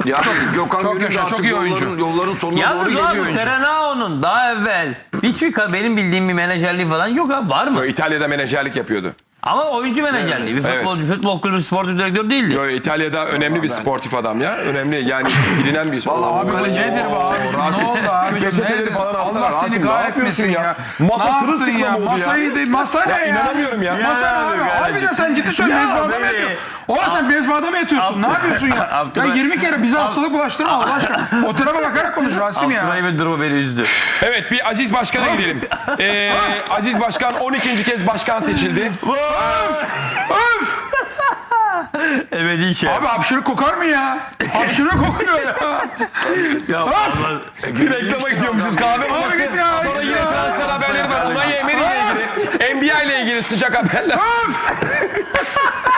Ya Gökhan Gönül de çok artık iyi oyuncu. yolların sonuna doğru Yalnız geliyor. abi Terenao'nun daha evvel hiçbir benim bildiğim bir menajerliği falan yok abi, var mı? İtalya'da menajerlik yapıyordu. Ama oyuncu menajerliği. Bir futbol kulübü sportif direktör değildi. Yo, İtalya'da önemli bir sportif adam ya. Önemli yani bilinen bir Vallahi Abi nedir bu abi? Ne oldu abi? Şu peçeteleri falan alsana Allah seni Rasim, ne kahretmesin yapıyorsun ya. Masa Ne yaptın sırılsıklam ya? oldu ya. Masayı de, masa ne ya? İnanamıyorum ya. Masa ne abi? Harbiden sen ciddi söylüyorsun. Mezbahada mı beni- yatıyorsun? Oğlum sen mezbahada mı yatıyorsun? Ne yapıyorsun ya? Ya Abdurrahim- 20 kere bize hastalık bulaştırma Allah aşkına. O tarafa bakarak konuş Rasim ya. Abdurrahim'in durumu beni üzdü. Evet, bir Aziz Başkan'a gidelim. Aziz Başkan 12. kez başkan seçildi. Öf! Ebedi şey. Abi hapşırık kokar mı ya? Hapşırık kokuyor ya. Ya vallahi- Bir reklama gidiyormuşuz kahve maması. git ya, Sonra git yine ya. transfer haberleri var. Onay Emery ile ilgili. NBA ile ilgili sıcak haberler.